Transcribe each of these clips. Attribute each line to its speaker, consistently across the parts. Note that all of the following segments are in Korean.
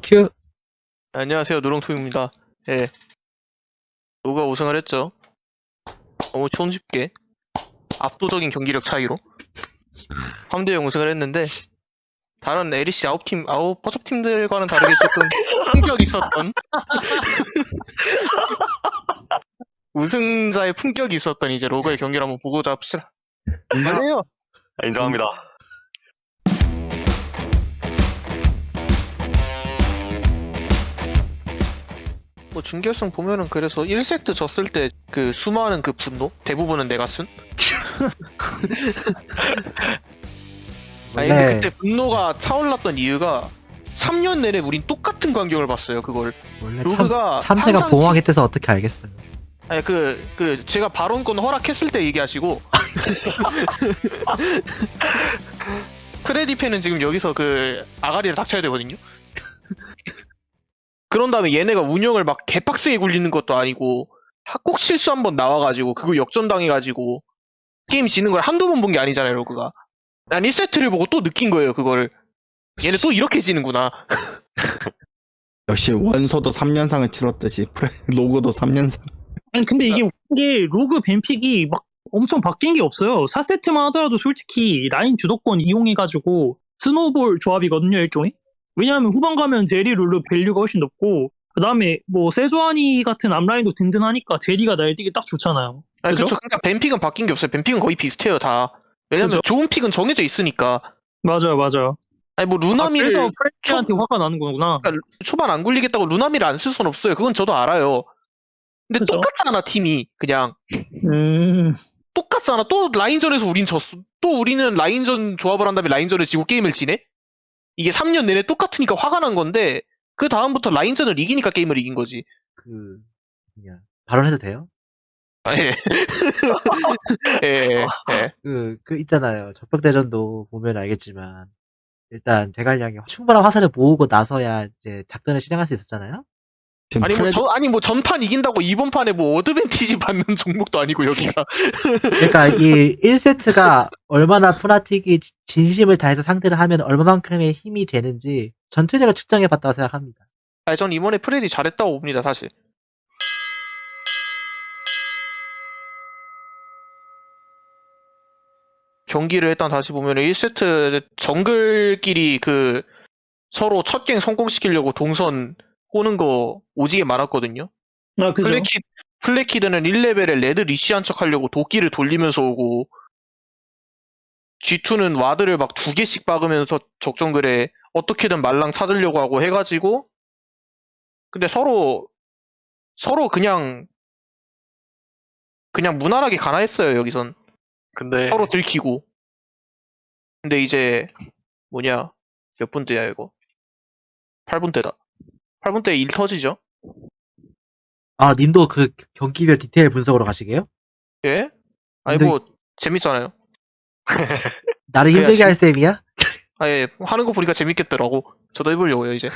Speaker 1: 큐.
Speaker 2: 안녕하세요, 노롱토입니다. 예, 노가 우승을 했죠. 너무 손쉽게 압도적인 경기력 차이로 3대0 우승을 했는데, 다른 LEC 아홉 버접 팀들과는 다르게 조금 품격이 있었던 우승자의 품격이 있었던 이제 로그의 경기를 한번 보고자 합시다. 인정해요.
Speaker 3: 인정합니다.
Speaker 2: 뭐 준결승 보면은 그래서 1세트 졌을 때 그 수많은 그 분노 대부분은 내가 쓴. 아니 근데
Speaker 1: 원래
Speaker 2: 그때 분노가 차올랐던 이유가 3년 내내 우린 똑같은 광경을 봤어요. 그걸
Speaker 1: 원래
Speaker 2: 로그가
Speaker 1: 참새가
Speaker 2: 항상
Speaker 1: 봉황에 뜨서 어떻게 알겠어요?
Speaker 2: 아니 제가 발언권 허락했을 때 얘기하시고 크레디페는 지금 여기서 그 아가리를 닥쳐야 되거든요. 그런 다음에 얘네가 운영을 막 개빡세게 굴리는 것도 아니고 꼭 실수 한번 나와가지고 그거 역전당해가지고 게임 지는 걸 한두 번 본 게 아니잖아요. 로그가 난 1세트를 보고 또 느낀 거예요. 그거를 얘네 또 이렇게 지는구나.
Speaker 4: 역시 원소도 3년상을 치렀듯이 로고도 3년상.
Speaker 5: 아니 근데 이게 웃긴 게 로그 뱀픽이 막 엄청 바뀐 게 없어요. 4세트만 하더라도 솔직히 라인 주도권 이용해가지고 스노우볼 조합이거든요, 일종의. 왜냐하면 후반 가면 제리 룰루 밸류가 훨씬 높고 그 다음에 뭐 세주아니 같은 앞라인도 든든하니까 제리가 날뛰기 딱 좋잖아요.
Speaker 2: 아니,
Speaker 5: 그죠?
Speaker 2: 그쵸. 그러니까 뱀픽은 바뀐 게 없어요. 뱀픽은 거의 비슷해요, 다. 왜냐면
Speaker 5: 그죠?
Speaker 2: 좋은 픽은 정해져 있으니까.
Speaker 5: 맞아요.
Speaker 2: 아니 뭐 루나미를
Speaker 5: 그래서 프레디한테 화가 나는 거구나.
Speaker 2: 그러니까 초반 안 굴리겠다고 루나미를 안 쓸 순 없어요. 그건 저도 알아요. 근데
Speaker 5: 그죠?
Speaker 2: 똑같잖아, 팀이. 그냥.
Speaker 5: 음,
Speaker 2: 똑같잖아. 또 라인전에서 우린 졌어. 또 우리는 라인전 조합을 한 다음에 라인전을 지고 게임을 지네? 이게 3년 내내 똑같으니까 화가 난 건데, 그 다음부터 라인전을 이기니까 게임을 이긴 거지.
Speaker 1: 그냥 발언해도 돼요?
Speaker 2: 아, 예. 예.
Speaker 1: 그 있잖아요. 적벽대전도 보면 알겠지만 일단 대갈량이 충분한 화살을 모으고 나서야 이제 작전을 실행할 수 있었잖아요.
Speaker 4: 지금
Speaker 2: 아니 뭐 전판 이긴다고 이번 판에 뭐 어드밴티지 받는 종목도 아니고 여기가.
Speaker 1: 그러니까 이 1세트가 얼마나 푸나틱이 진심을 다해서 상대를 하면 얼마만큼의 힘이 되는지 전투력을 측정해 봤다고 생각합니다.
Speaker 2: 아니 전 이번에 프레디 잘했다고 봅니다, 사실. 경기를 일단 다시 보면 1세트 정글끼리 그 서로 첫 갱 성공시키려고 동선 꼬는 거 오지게 많았거든요.
Speaker 5: 아 그죠.
Speaker 2: 플래키드는 1레벨에 레드 리시한 척 하려고 도끼를 돌리면서 오고, G2는 와드를 막 2개씩 박으면서 적정글에 어떻게든 말랑 찾으려고 하고 해가지고, 근데 서로 그냥 무난하게 가나했어요, 여기선.
Speaker 3: 근데
Speaker 2: 서로 들키고. 근데 이제 뭐냐, 몇 분대야 이거? 8분대다. 8분대에 일 터지죠?
Speaker 1: 아, 님도 그 경기별 디테일 분석으로 가시게요?
Speaker 2: 예? 아니
Speaker 1: 근데-
Speaker 2: 뭐 재밌잖아요.
Speaker 1: 나를
Speaker 2: 그래야지.
Speaker 1: 힘들게 할 셈이야?
Speaker 2: 아예 하는 거 보니까 재밌겠더라고. 저도 해보려고요 이제.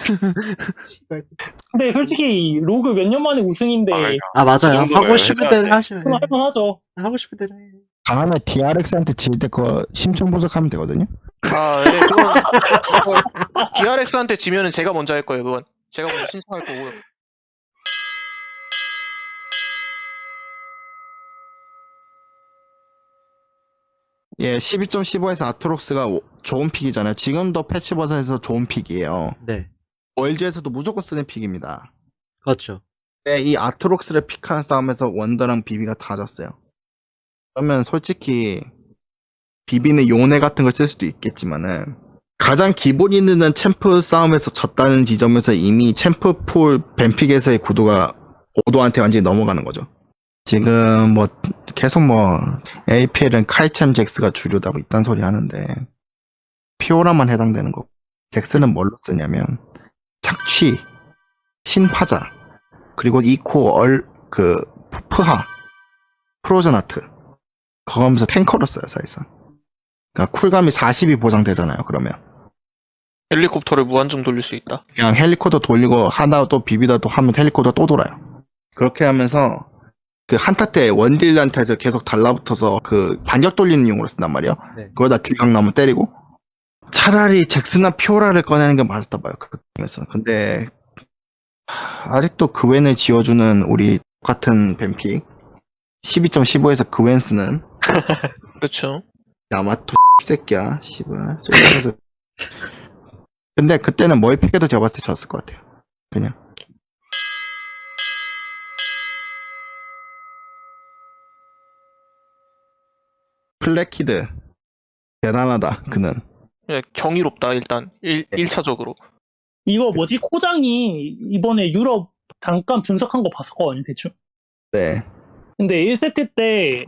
Speaker 5: 근데 솔직히 로그 몇 년 만에 우승인데
Speaker 1: 아, 맞아요.
Speaker 3: 정도는
Speaker 1: 하고 싶은 대로
Speaker 3: 해줘야지.
Speaker 1: 하시면
Speaker 5: 그건 할만하죠.
Speaker 1: 하고 싶은 대로 해.
Speaker 4: 다음에 DRX한테 질 때 거 심층 분석하면 되거든요.
Speaker 2: 아, 예, 그건 DRX한테 지면은 제가 먼저 할 거예요. 그건 제가 먼저 신청할 거고요.
Speaker 4: 예, 12.15에서 아트록스가 좋은 픽이잖아요. 지금도 패치 버전에서 좋은 픽이에요.
Speaker 1: 네,
Speaker 4: 월즈에서도 무조건 쓰는 픽입니다.
Speaker 1: 그렇죠.
Speaker 4: 네, 이 아트록스를 픽하는 싸움에서 원더랑 비비가 다 졌어요. 그러면 솔직히 비비는 요네 같은 걸 쓸 수도 있겠지만은 가장 기본 있는 챔프 싸움에서 졌다는 지점에서 이미 챔프 풀 뱀픽에서의 구도가 오도한테 완전히 넘어가는 거죠. 지금 뭐 계속 뭐 APL은 카이챔 잭스가 주류다 뭐 이딴 소리 하는데 피오라만 해당되는 거고, 잭스는 뭘로 쓰냐면 착취, 신파자, 그리고 이코 푸하, 프로전 아트 그거 하면서 탱커로 써요 사실상. 그러니까 쿨감이 40이 보장되잖아요. 그러면
Speaker 2: 헬리콥터를 무한정 돌릴 수 있다.
Speaker 4: 그냥 헬리콥터 돌리고 하나 또 비비다 또 하면 헬리콥터 또 돌아요. 그렇게 하면서 그 한타 때 원딜한테 계속 달라붙어서 그 반격 돌리는 용으로 쓴단 말이에요.
Speaker 1: 네.
Speaker 4: 그거다 딜각 나면 때리고, 차라리 잭스나 피오라를 꺼내는 게 맞았다 봐요. 그 게임에서. 근데 아직도 그웬을 지어주는 우리 같은 뱀픽 12.15에서 그웬스는
Speaker 2: 그렇죠.
Speaker 4: 야마토 새끼야 씨발 쏠려서. 근데 그때는 뭘 픽해도 제가 봤을 때 졌을 것 같아요. 그냥 플래키드 대단하다 그는.
Speaker 2: 예, 경이롭다 일단 1차적으로.
Speaker 5: 이거 뭐지? 코장이 이번에 유럽 잠깐 분석한 거 봤었거든요, 대충.
Speaker 4: 네.
Speaker 5: 근데 1세트 때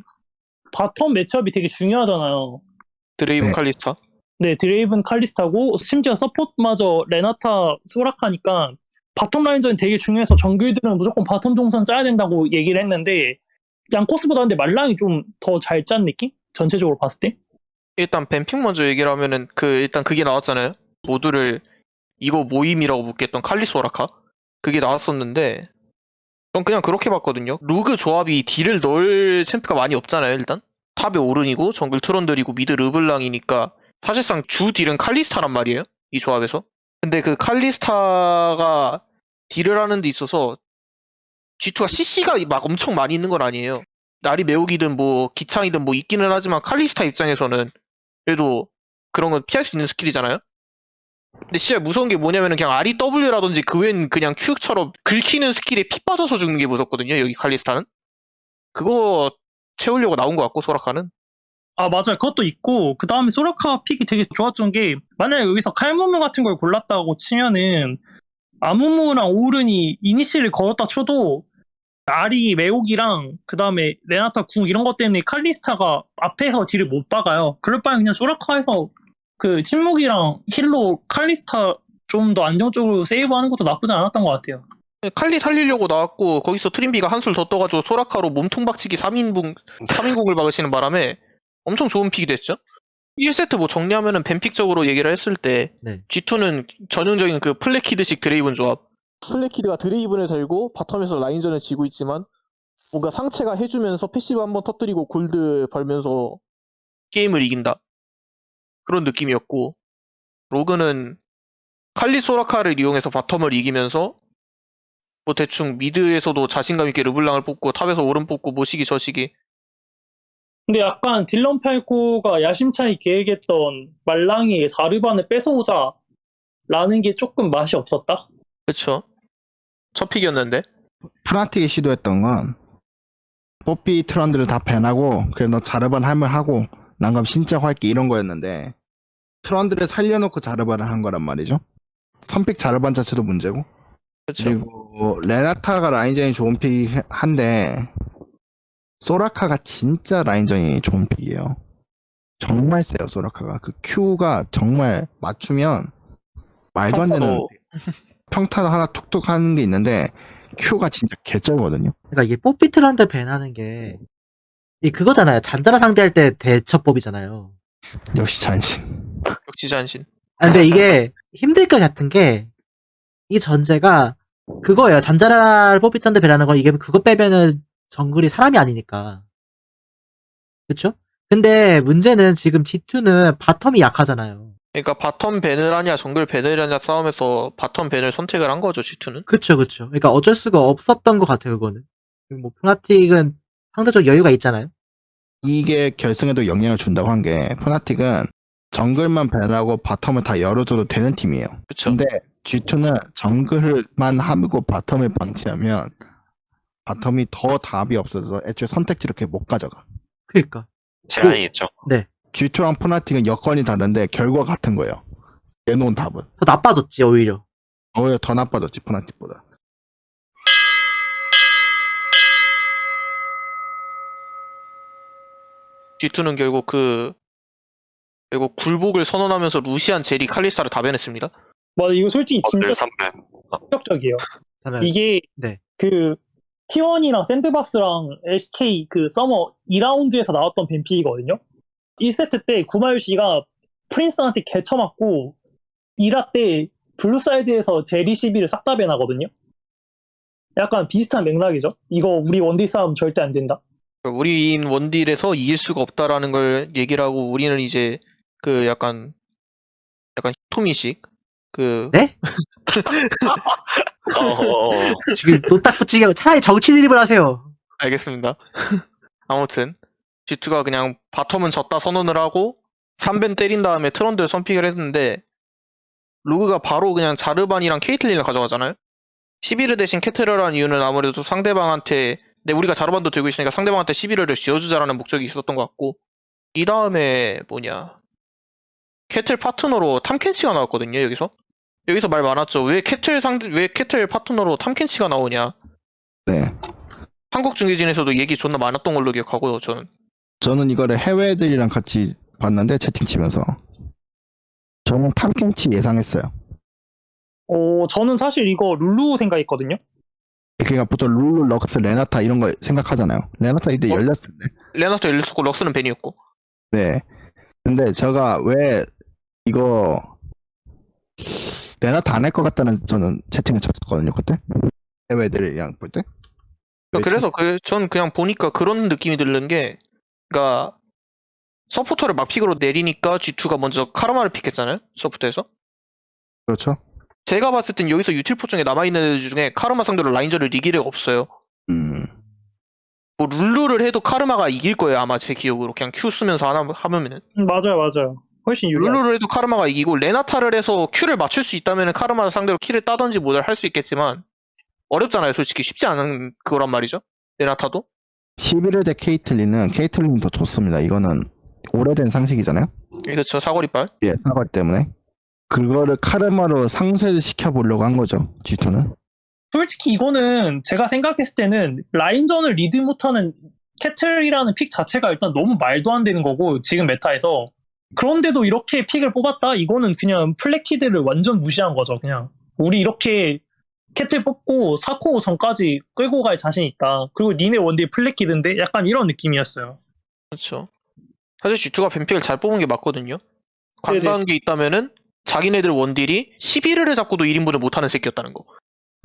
Speaker 5: 바텀 매치업이 되게 중요하잖아요.
Speaker 2: 드레이븐
Speaker 4: 네.
Speaker 2: 칼리스타.
Speaker 5: 네, 드레이븐 칼리스타고 심지어 서포트마저 레나타 소라카니까 바텀 라인전이 되게 중요해서 정글들은 무조건 바텀 동선 짜야 된다고 얘기를 했는데 양코스보다 근데 말랑이 좀 더 잘 짠 느낌? 전체적으로 봤을 때?
Speaker 2: 일단 뱀픽 먼저 얘기를 하면은 일단 그게 나왔잖아요. 모두를 이거 모임이라고 묻겠던 칼리스 오라카. 그게 나왔었는데 전 그냥 그렇게 봤거든요. 루그 조합이 딜을 넣을 챔프가 많이 없잖아요. 일단 탑에 오른이고 정글 트런들이고 미드 르블랑이니까 사실상 주 딜은 칼리스타란 말이에요. 이 조합에서. 근데 그 칼리스타가 딜을 하는 데 있어서 G2가 CC가 막 엄청 많이 있는 건 아니에요. 날이 매우기든 뭐 기창이든 뭐 있기는 하지만 칼리스타 입장에서는 그래도 그런 건 피할 수 있는 스킬이잖아요. 근데 진짜 무서운 게 뭐냐면은 그냥 REW라든지 그 외엔 그냥 Q처럼 긁히는 스킬에 피 빠져서 죽는 게 무섭거든요. 여기 칼리스타는. 그거 채우려고 나온 것 같고 소라카는.
Speaker 5: 아, 맞아요. 그것도 있고, 그 다음에 소라카 픽이 되게 좋았던 게, 만약에 여기서 칼무무 같은 걸 골랐다고 치면은, 아무무랑 오른이 이니시를 걸었다 쳐도, 아리 매혹이랑, 그 다음에 레나타 궁 이런 것 때문에 칼리스타가 앞에서 딜을 못 박아요. 그럴 바에 그냥 소라카에서 그 침묵이랑 힐로 칼리스타 좀 더 안정적으로 세이브하는 것도 나쁘지 않았던 것 같아요.
Speaker 2: 칼리 살리려고 나왔고 거기서 트림비가 한술 더 떠가지고 소라카로 몸통 박치기 3인공을 박으시는 바람에 엄청 좋은 픽이 됐죠. 1세트 뭐 정리하면은 뱀픽적으로 얘기를 했을 때
Speaker 1: 네.
Speaker 2: G2는 전형적인 그 플래키드식 드레이븐 조합. 플래키드가 드레이븐을 들고 바텀에서 라인전을 지고 있지만 뭔가 상체가 해주면서 패시브 한번 터뜨리고 골드 벌면서 게임을 이긴다. 그런 느낌이었고 로그는 칼리 소라카를 이용해서 바텀을 이기면서 뭐 대충 미드에서도 자신감 있게 르블랑을 뽑고 탑에서 오른 뽑고 모시기 저시기.
Speaker 5: 근데 약간 딜런 팔코가 야심차게 계획했던 말랑이의 사르반을 뺏어오자 라는 게 조금 맛이 없었다?
Speaker 2: 그쵸. 첫 픽이었는데.
Speaker 4: 프나틱이 시도했던 건 뽀삐 트런드를 다 밴하고 그래 너 자르반 할만하고 난 그럼 진짜 할게 이런 거였는데 트런드를 살려놓고 자르반을 한 거란 말이죠. 선픽 자르반 자체도 문제고
Speaker 2: 그쵸.
Speaker 4: 그리고 레나타가 라인전이 좋은 픽이 한데 소라카가 진짜 라인전이 좋은 픽이에요. 정말 세요 소라카가. 그 Q가 정말 맞추면 말도 안 되는 평타도 하나 툭툭 하는 게 있는데 Q가 진짜 개쩔거든요.
Speaker 1: 그러니까 이게 뽀삐트런드 밴하는 게 그거잖아요. 잔자라 상대할 때 대처법이잖아요.
Speaker 4: 역시 잔신.
Speaker 2: 역시 잔신.
Speaker 1: 아, 근데 이게 힘들 것 같은 게 이 전제가 그거예요. 잔자라를 뽀삐트런드 밴하는 건 이게 그거 빼면은 정글이 사람이 아니니까. 그쵸? 근데 문제는 지금 G2는 바텀이 약하잖아요.
Speaker 2: 그러니까 바텀 밴을 하냐 정글 밴을 하냐 싸움에서 바텀 밴을 선택을 한 거죠 G2는.
Speaker 1: 그쵸. 그러니까 어쩔 수가 없었던 것 같아요, 그거는. 뭐, 푸나틱은 상대적 여유가 있잖아요.
Speaker 4: 이게 결승에도 영향을 준다고 한 게 푸나틱은 정글만 밴하고 바텀을 다 열어줘도 되는 팀이에요.
Speaker 2: 그쵸.
Speaker 4: 근데 G2는 정글만 하고 바텀을 방치하면 바텀이 더 답이 없어서 애초에 선택지를 그렇게 못 가져가.
Speaker 1: 그러니까.
Speaker 3: 제한이 있죠.
Speaker 4: G2랑 푸나틱은 여건이 다른데 결과가 같은 거예요. 내놓은 답은.
Speaker 1: 더 나빠졌지, 오히려.
Speaker 4: 오히려 더 나빠졌지 푸나틱보다.
Speaker 2: G2는 결국 굴복을 선언하면서 루시안, 제리, 칼리스타를 다 밴했습니다.
Speaker 5: 맞아, 이거 솔직히 진짜
Speaker 3: 어들 3배.
Speaker 5: 충격적이에요.
Speaker 1: 그러면
Speaker 5: 이게
Speaker 1: 네.
Speaker 5: 그 T1이랑 샌드박스랑 SK 그 서머 2라운드에서 나왔던 뱀픽이거든요. 1세트 때 구마유시가 프린스한테 개쳐맞고 2라 때 블루사이드에서 제리 시비를 싹 다 밴하거든요. 약간 비슷한 맥락이죠. 이거 우리 원딜 싸움 절대 안 된다.
Speaker 2: 우리인 원딜에서 이길 수가 없다라는 걸 얘기를 하고 우리는 이제 그 약간 약간 히토미식 그
Speaker 1: 네? 지금 노딱 붙이게 차라리 정치 드립을 하세요.
Speaker 2: 알겠습니다. 아무튼 G2가 그냥 바텀은 졌다 선언을 하고 3벤 때린 다음에 트런드를 선픽을 했는데 로그가 바로 그냥 자르반이랑 케이틀린을 가져가잖아요. 11을 대신 캐트럴한 이유는 아무래도 상대방한테 우리가 자르반도 들고 있으니까 상대방한테 11을 쥐어주자라는 목적이 있었던 것 같고 이 다음에 캐틀 파트너로 탐켄치가 나왔거든요. 여기서 말 많았죠. 왜 캐틀 파트너로 탐켄치가 나오냐.
Speaker 4: 네.
Speaker 2: 한국 중계진에서도 얘기 존나 많았던 걸로 기억하고요.
Speaker 4: 저는 이거를 해외 애들이랑 같이 봤는데 채팅 치면서 저는 탐켄치 예상했어요.
Speaker 5: 저는 사실 이거 룰루 생각했거든요.
Speaker 4: 그러니까 보통 룰루, 럭스, 레나타 이런 거 생각하잖아요. 레나타 이때 열렸을 때.
Speaker 2: 레나토 엘리스고 럭스는 벤이었고.
Speaker 4: 네. 근데 제가 왜 이거 레나타 안 할 것 같다는 저는 채팅을 쳤었거든요. 그때 해외 애들이랑 볼 때.
Speaker 2: 그래서 전 그냥 보니까 그런 느낌이 드는 게, 그러니까 서포터를 막픽으로 내리니까 G2가 먼저 카르마를 픽했잖아요. 서포터에서.
Speaker 4: 그렇죠.
Speaker 2: 제가 봤을 땐 여기서 유틸포 중에 남아있는 애들 중에 카르마 상대로 라인전을 이길 애가 없어요. 뭐 룰루를 해도 카르마가 이길 거예요. 아마 제 기억으로. 그냥 Q 쓰면서 하면은.
Speaker 5: 맞아요. 훨씬 유리하죠.
Speaker 2: 룰루를 해도 카르마가 이기고 레나타를 해서 Q를 맞출 수 있다면 카르마 상대로 킬을 따든지 뭐를 할 수 있겠지만 어렵잖아요. 솔직히 쉽지 않은 그거란 말이죠. 레나타도.
Speaker 4: 11회 대 케이틀린이 더 좋습니다. 이거는 오래된 상식이잖아요.
Speaker 2: 그렇죠. 사거리빨.
Speaker 4: 예, 사거리 때문에. 그거를 카르마로 상쇄시켜 보려고 한 거죠. G2는.
Speaker 5: 솔직히 이거는 제가 생각했을 때는 라인전을 리드 못하는 캐틀이라는 픽 자체가 일단 너무 말도 안 되는 거고 지금 메타에서. 그런데도 이렇게 픽을 뽑았다? 이거는 그냥 플래키드를 완전 무시한 거죠. 그냥 우리 이렇게 캐틀 뽑고 4코어 전까지 끌고 갈 자신 있다. 그리고 니네 원딜 플래키드인데 약간 이런 느낌이었어요.
Speaker 2: 그렇죠. 사실 G2가 뱀픽을 잘 뽑은 게 맞거든요.
Speaker 5: 네네.
Speaker 2: 관건한 게 있다면은 자기네들 원딜이 11회를 잡고도 1인분을 못하는 새끼였다는 거.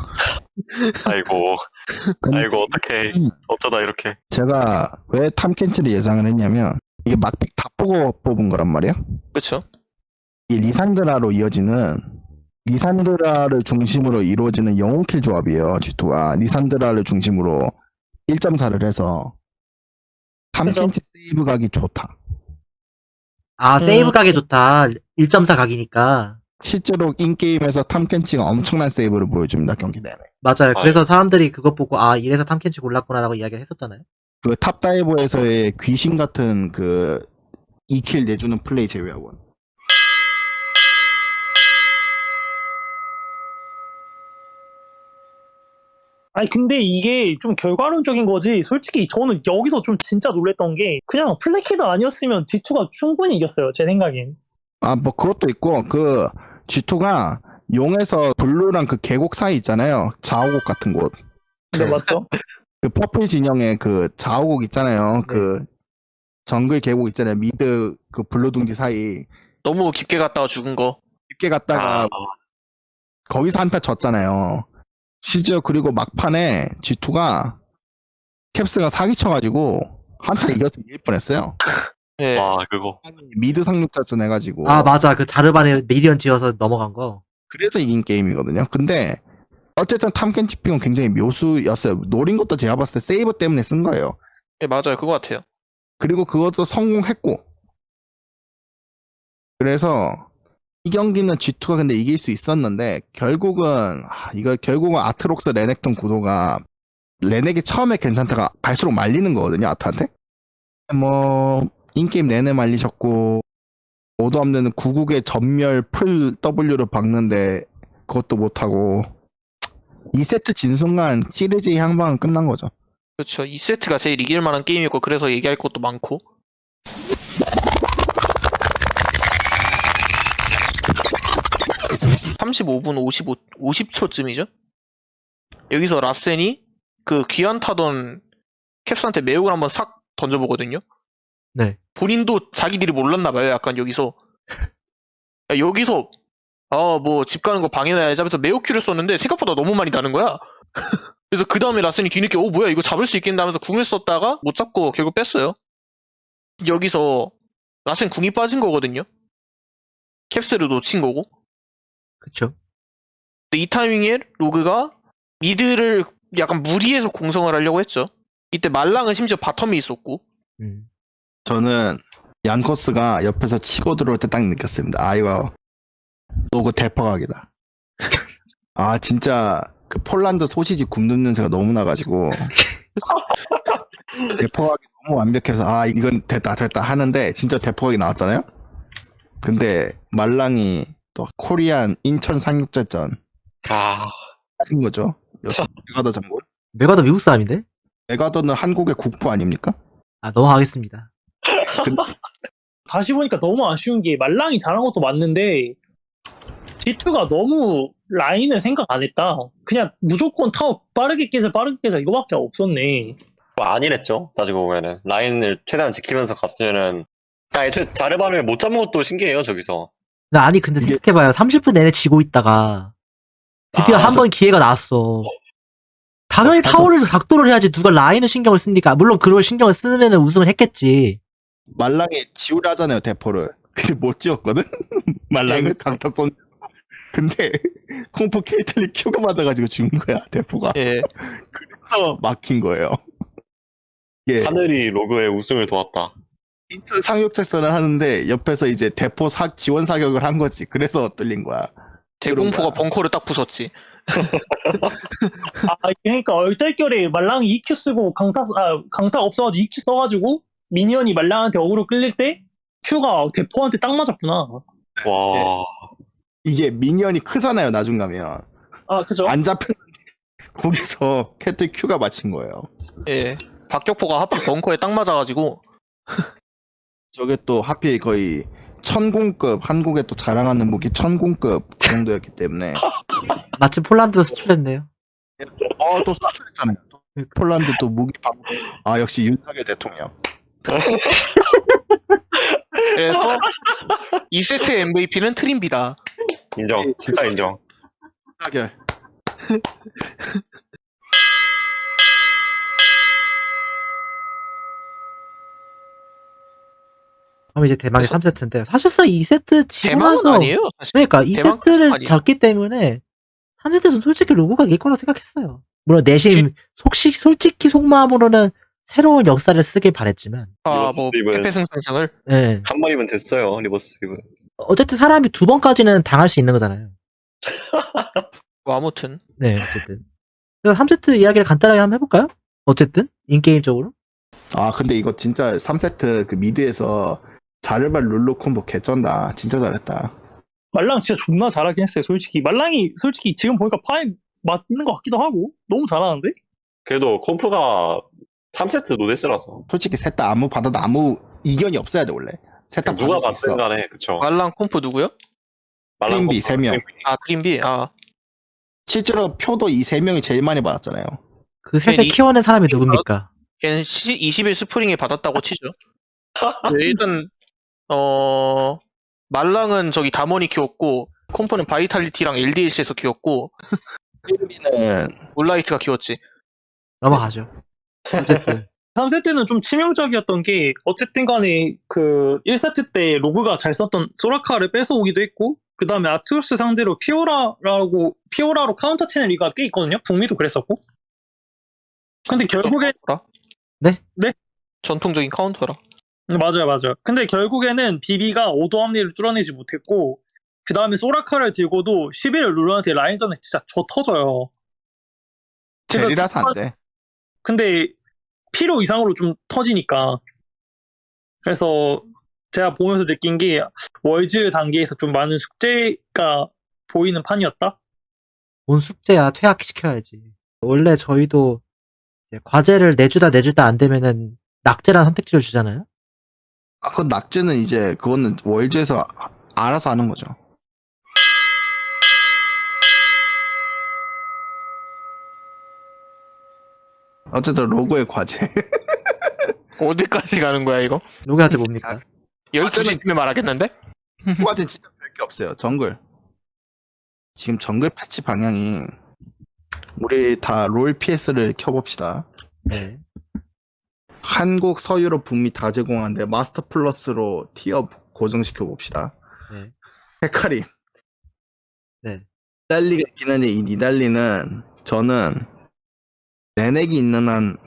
Speaker 3: 아이고 어떡해. 어쩌다 이렇게.
Speaker 4: 제가 왜 탐켄치를 예상을 했냐면 이게 막픽 다 보고 뽑은 거란 말이에요.
Speaker 2: 그렇죠.
Speaker 4: 이 리산드라로 이어지는 리산드라를 중심으로 이루어지는 영웅킬 조합이에요. G2가 리산드라를 중심으로 1.4를 해서 탐켄치 세이브 각이 좋다.
Speaker 1: 세이브 가게 좋다. 1.4 각이니까.
Speaker 4: 실제로 인게임에서 탐켄치가 엄청난 세이브를 보여줍니다. 경기 내내.
Speaker 1: 맞아요. 그래서 사람들이 그거 보고 이래서 탐켄치 골랐구나라고 이야기를 했었잖아요.
Speaker 4: 그 탑다이버에서의 귀신 같은 그 2킬 내주는 플레이 제외하고는.
Speaker 5: 아니 근데 이게 좀 결과론적인 거지. 솔직히 저는 여기서 좀 진짜 놀랬던 게 그냥 플래키드 아니었으면 G2가 충분히 이겼어요. 제 생각엔.
Speaker 4: 뭐 그것도 있고 그 G2가 용에서 블루랑 그 계곡 사이 있잖아요. 자오곡 같은 곳.
Speaker 5: 네 맞죠?
Speaker 4: 그 퍼플 진영의 그 자오곡 있잖아요. 그 정글 계곡 있잖아요. 미드 그 블루 둥지 사이
Speaker 2: 너무 깊게 갔다가 죽은 거.
Speaker 4: 깊게 갔다가 거기서 한타 졌잖아요. 심지어 그리고 막판에 G2가 캡스가 사기쳐가지고 한타 이겨서 이길 뻔했어요.
Speaker 2: 예.
Speaker 3: 와 그거.
Speaker 4: 미드 상륙작전 해가지고.
Speaker 1: 맞아. 그 자르반에 미리언 지어서 넘어간 거.
Speaker 4: 그래서 이긴 게임이거든요. 근데 어쨌든 탐켄치 픽은 굉장히 묘수였어요. 노린 것도 제가 봤을 때 세이버 때문에 쓴 거예요.
Speaker 2: 예, 맞아요. 그거 같아요.
Speaker 4: 그리고 그것도 성공했고. 그래서 이 경기는 G2가 근데 이길 수 있었는데 결국은 아트록스 레넥톤 구도가 레넥이 처음에 괜찮다가 갈수록 말리는 거거든요. 아트한테. 뭐 인게임 내내 말리셨고 오도 없는 구국의 전멸 풀 W를 박는데 그것도 못하고 2세트 진 순간 시리즈의 향방은 끝난 거죠.
Speaker 2: 그렇죠. 2세트가 제일 이길 만한 게임이고 그래서 얘기할 것도 많고. (35분 50초쯤이죠) 여기서 라센이 그 귀환 타던 캡스한테 매혹을 한번 싹 던져보거든요.
Speaker 1: 네.
Speaker 2: 본인도 자기들이 몰랐나봐요. 약간 여기서 뭐 집 가는 거 방해해야지 하면서 매혹 큐를 썼는데 생각보다 너무 많이 나는 거야. 그래서 그 다음에 라센이 뒤늦게 뭐야 이거 잡을 수 있겠나 하면서 궁을 썼다가 못 잡고 결국 뺐어요. 여기서 라센 궁이 빠진 거거든요. 캡스를 놓친 거고.
Speaker 1: 그쵸.
Speaker 2: 근데 이 타이밍에 로그가 미드를 약간 무리해서 공성을 하려고 했죠. 이때 말랑은 심지어 바텀이 있었고.
Speaker 4: 저는 얀코스가 옆에서 치고 들어올 때 딱 느꼈습니다. 아, 이거 로그 대퍼각이다. 아, 진짜 그 폴란드 소시지 굽는 냄새가 너무 나가지고 대퍼각이 너무 완벽해서 아, 이건 됐다 하는데 진짜 대퍼각이 나왔잖아요. 근데 말랑이 또 코리안 인천 상륙작전
Speaker 3: 아,
Speaker 4: 하신 거죠. 역시 메가더 장군.
Speaker 1: 메가더 미국 사람인데?
Speaker 4: 메가더는 한국의 국부 아닙니까?
Speaker 1: 아, 넘어가겠습니다.
Speaker 5: 다시 보니까 너무 아쉬운 게 말랑이 잘한 것도 맞는데 G2가 너무 라인을 생각 안 했다. 그냥 무조건 타워 빠르게 깨자 이거밖에 없었네.
Speaker 3: 뭐 아니랬죠. 따지고 보면은 라인을 최대한 지키면서 갔으면은 애초에 자르바를 못 잡은 것도 신기해요. 저기서.
Speaker 1: 아니, 근데
Speaker 4: 이게-
Speaker 1: 생각해봐요. 30분 내내 지고 있다가 드디어
Speaker 3: 아,
Speaker 1: 한 번 기회가 나왔어. 당연히
Speaker 4: 맞아.
Speaker 1: 타워를 각도를 해야지 누가 라인을 신경을 씁니까? 물론 그걸 신경을 쓰면 우승을 했겠지.
Speaker 4: 말랑이 지우려 하잖아요, 대포를. 근데 못 지웠거든? 말랑을 강타 쏜. 근데 콩포 케이틀리 큐가 맞아가지고 죽은 거야, 대포가.
Speaker 2: 예.
Speaker 4: 그래서 막힌 거예요. 예.
Speaker 3: 하늘이 로그의 우승을 도왔다.
Speaker 4: 인천 상륙작전을 하는데 옆에서 이제 대포 지원 사격을 한 거지. 그래서 뚫린 거야.
Speaker 2: 대공포가
Speaker 4: 그런 거야.
Speaker 2: 벙커를 딱 부쉈지.
Speaker 5: 그러니까 얼떨결에 말랑이 EQ 쓰고 강타 없어가지고 EQ 써가지고 미니언이 말랑한테 어그로 끌릴 때 Q가 대포한테 딱 맞았구나.
Speaker 3: 와.
Speaker 4: 이게 미니언이 크잖아요, 나중 가면.
Speaker 5: 아 그죠?
Speaker 4: 안 잡혔는데 거기서 캐틀 큐가 맞힌 거예요.
Speaker 2: 예. 박격포가 하필 벙커에 딱 맞아가지고.
Speaker 4: 저게 또 하필 거의 천공급, 한국에 또 자랑하는 무기 천공급 그 정도였기 때문에
Speaker 1: 마침 폴란드도 수출했네요.
Speaker 4: 또 수출했잖아요. 또 폴란드 또 무기 아 역시 윤석열 대통령.
Speaker 2: 그래서 2세트 MVP는 트림비다.
Speaker 3: 인정. 진짜 인정.
Speaker 4: 윤석열.
Speaker 1: 그럼 이제 대망의 3세트인데 사실상 2세트 지고
Speaker 2: 대망은
Speaker 1: 나서
Speaker 2: 아니에요. 사실.
Speaker 1: 그러니까
Speaker 2: 대망까지는
Speaker 1: 2세트를
Speaker 2: 아니에요.
Speaker 1: 졌기 때문에 3세트에서는 솔직히 로고가 이길 거라고 생각했어요. 물론 내심 솔직히 속마음으로는 새로운 역사를 쓰길 바랬지만
Speaker 3: 리버스
Speaker 2: 뭐
Speaker 3: 스윕은-
Speaker 2: 패패승승승을.
Speaker 1: 예.
Speaker 3: 한 번이면 됐어요. 리버스 스윕은.
Speaker 1: 어쨌든 사람이 2번까지는 당할 수 있는 거잖아요.
Speaker 2: 뭐 아무튼
Speaker 1: 네, 어쨌든. 그래서 3세트 이야기를 간단하게 한번 해볼까요? 어쨌든 인게임적으로.
Speaker 4: 아 근데 이거 진짜 3세트 그 미드에서 자르발 룰루 콤보 개쩐다. 진짜 잘했다.
Speaker 5: 말랑 진짜 존나 잘하긴 했어요. 솔직히 말랑이 솔직히 지금 보니까 파이 맞는 것 같기도 하고 너무 잘하는데?
Speaker 3: 그래도 콤프가 3세트 노데스라서.
Speaker 4: 솔직히 셋 다 아무 받아도 아무 이견이 없어야 돼 원래. 셋 다
Speaker 3: 누가
Speaker 4: 받을 수
Speaker 3: 봤든
Speaker 4: 있어.
Speaker 3: 간에 그쵸.
Speaker 2: 말랑 콤프 누구요?
Speaker 4: 트림비 3명.
Speaker 2: 아 트림비. 아
Speaker 4: 실제로 표도 이 3명이 제일 많이 받았잖아요.
Speaker 1: 그 셋을
Speaker 2: 이-
Speaker 1: 키워낸 사람이 누굽니까?
Speaker 2: 걔는 20일 스프링에 받았다고 치죠. 네, 일단 말랑은 저기 다머니 키웠고 콤프는 바이탈리티랑 LDLC에서 키웠고
Speaker 4: 트림비는
Speaker 2: 몰라이트가 키웠지.
Speaker 1: 넘어가죠. 어쨌든
Speaker 5: 3세트는 좀 치명적이었던 게 어쨌든 간에 그 1세트 때 로그가 잘 썼던 소라카를 뺏어오기도 했고 그 다음에 아투스 상대로 피오라로 카운터 채널 리가 꽤 있거든요. 북미도 그랬었고 근데 결국에
Speaker 2: 카운터라?
Speaker 1: 네?
Speaker 5: 네?
Speaker 2: 전통적인 카운터라.
Speaker 5: 맞아요. 근데 결국에는 비비가 오도 합리를 뚫어내지 못했고 그 다음에 소라카를 들고도 11일 룰러한테 라인전에 진짜 져 터져요.
Speaker 4: 젤이라서 안 돼.
Speaker 5: 근데 필요 이상으로 좀 터지니까 그래서 제가 보면서 느낀 게 월즈 단계에서 좀 많은 숙제가 보이는 판이었다.
Speaker 1: 본 숙제야 퇴학시켜야지. 원래 저희도 이제 과제를 내주다 안 되면은 낙제라는 선택지를 주잖아요.
Speaker 4: 아, 그건 낙제는 이제 그거는 월즈에서 알아서 하는 거죠. 어쨌든 로고의 과제.
Speaker 2: 어디까지 가는 거야 이거?
Speaker 1: 로그하지 뭡니까?
Speaker 2: 12시쯤에 말하겠는데?
Speaker 4: 과제 진짜 별게 없어요. 정글. 지금 정글 패치 방향이 우리 다 롤 PS를 켜봅시다.
Speaker 1: 네.
Speaker 4: 한국, 서유럽, 북미 다 제공하는데 마스터 플러스로 티어 고정시켜 봅시다.
Speaker 1: 네.
Speaker 4: 헤카림.
Speaker 1: 네.
Speaker 4: 니달리가 있긴 한데, 이 니달리는, 저는, 내넥이 있는 한,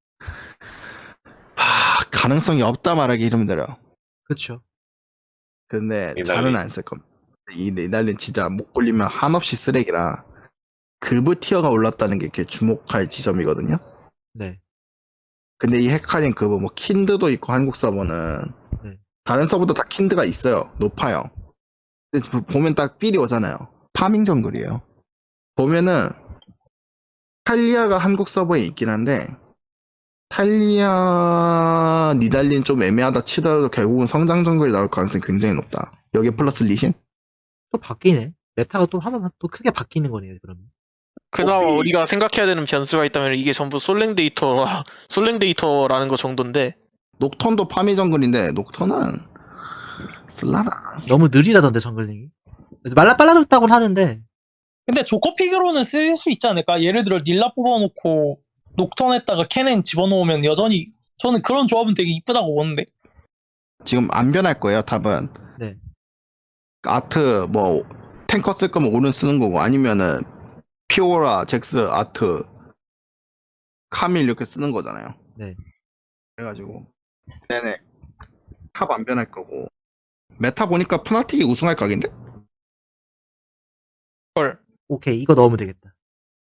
Speaker 4: 가능성이 없다 말하기 힘들어요.
Speaker 1: 그쵸.
Speaker 4: 근데,
Speaker 3: 니달리.
Speaker 4: 잘은 안 쓸 겁니다. 이 니달리는 진짜 못 굴리면 한없이 쓰레기라, 그브 티어가 올랐다는 게 이렇게 주목할 지점이거든요.
Speaker 1: 네.
Speaker 4: 근데 이 헤카림 그브, 뭐, 킨드도 있고, 한국 서버는,
Speaker 1: 네.
Speaker 4: 다른 서버도 다 킨드가 있어요. 높아요. 근데 보면 딱 삘이 오잖아요. 파밍 정글이에요. 보면은 탈리아가 한국 서버에 있긴 한데 탈리아 니달린 좀 애매하다 치더라도 결국은 성장 정글이 나올 가능성이 굉장히 높다. 여기 플러스 리신?
Speaker 1: 또 바뀌네. 메타가 또 하면 또 크게 바뀌는 거네요, 그러면.
Speaker 2: 그나마
Speaker 4: 뽀삐.
Speaker 2: 우리가 생각해야 되는 변수가 있다면 이게 전부 솔랭 데이터라는 거 정도인데
Speaker 4: 녹턴도 파밍 정글인데 녹턴은 쓸라나.
Speaker 1: 너무 느리다던데, 정글링이. 그래서 빨라졌다고는 하는데,
Speaker 5: 근데 조커픽으로는 쓸 수 있지 않을까? 예를 들어 닐라 뽑아놓고 녹턴에다가 캐넨 집어넣으면 여전히 저는 그런 조합은 되게 이쁘다고 보는데.
Speaker 4: 지금 안 변할 거예요, 탑은.
Speaker 1: 네.
Speaker 4: 아트 뭐 탱커 쓸 거면 오른 쓰는 거고 아니면은 피오라, 잭스, 아트, 카밀 이렇게 쓰는 거잖아요.
Speaker 1: 네.
Speaker 4: 그래가지고 네네 탑 안 변할 거고 메타 보니까 푸나틱이 우승할 각인데?
Speaker 2: 헐.
Speaker 1: 오케이, 이거 넣으면 되겠다.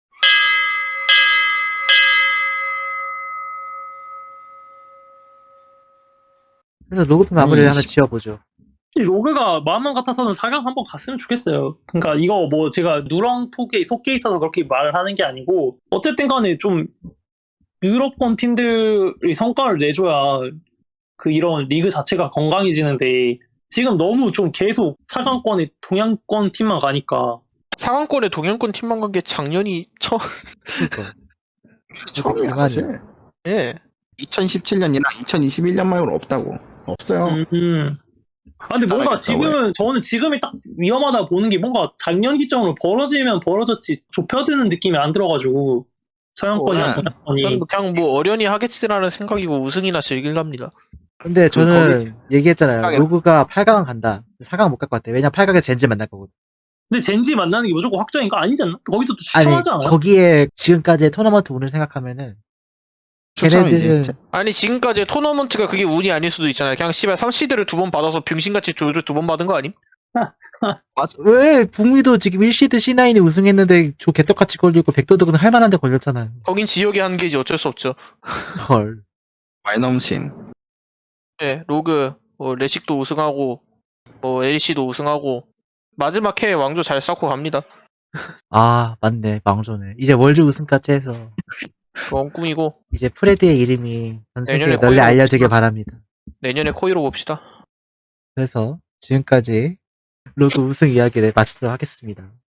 Speaker 1: 그래서 로그편 마무리를 하나 지어보죠.
Speaker 5: 로그가 마음만 같아서는 4강 한번 갔으면 좋겠어요. 그러니까 이거 뭐 제가 누렁톡에 속해 있어서 그렇게 말을 하는 게 아니고 어쨌든 간에 좀 유럽권 팀들이 성과를 내줘야 그 이런 리그 자체가 건강해지는데 지금 너무 좀 계속 4강권에 동양권 팀만 가니까
Speaker 2: 상황권에 동양권 팀만 간 게 작년이
Speaker 1: 그니까.
Speaker 4: 처음이야 사실.
Speaker 2: 예.
Speaker 4: 2017년이나 2021년 말고는 없다고. 없어요.
Speaker 5: 근데 뭔가
Speaker 4: 따라했다고
Speaker 5: 지금은 저는 지금이 딱 위험하다 보는 게 뭔가 작년 기점으로 벌어지면 벌어졌지 좁혀드는 느낌이 안 들어가지고 서양권이랑
Speaker 4: 네.
Speaker 5: 동양권이
Speaker 2: 그냥 뭐 어련히 하겠지라는 생각이고 우승이나 즐길랍니다.
Speaker 1: 근데 저는
Speaker 4: 거기-
Speaker 1: 얘기했잖아요.
Speaker 4: 사강에-
Speaker 1: 로그가 8강 간다. 4강 못 갈 것 같아. 왜냐면 8강에서 젠지 만날 거거든.
Speaker 5: 근데 젠지 만나는 게 무조건 확정인 거 아니지 않나? 거기서 또
Speaker 1: 아니,
Speaker 5: 추첨하지 않아요?
Speaker 1: 거기에 지금까지의 토너먼트 운을 생각하면은
Speaker 4: 추첨이지.
Speaker 1: 걔네들은
Speaker 2: 아니 지금까지 토너먼트가 그게 운이 아닐 수도 있잖아요. 그냥 씨발 3시드를 2번 받아서 병신같이 조조 2번 받은 거 아님?
Speaker 1: 왜 북미도 지금 1시드 C9이 우승했는데 저 개떡같이 걸리고 백도덕은 할만한데 걸렸잖아요.
Speaker 2: 거긴 지역의 한계지 어쩔 수 없죠.
Speaker 1: 헐.
Speaker 4: 마이넘신.
Speaker 2: 예, 로그, 뭐 레식도 우승하고, 뭐 LC도 우승하고 마지막 해에 왕조 잘 쌓고 갑니다.
Speaker 1: 아, 맞네. 망조네. 이제 월드 우승까지 해서
Speaker 2: 그건 꿈이고
Speaker 1: 이제 프레드의 이름이 전 세계에
Speaker 2: 내년에
Speaker 1: 널리
Speaker 2: 거의
Speaker 1: 알려지길
Speaker 2: 없지만.
Speaker 1: 바랍니다.
Speaker 2: 내년에 코이로 봅시다.
Speaker 1: 그래서 지금까지 로그 우승 이야기를 마치도록 하겠습니다.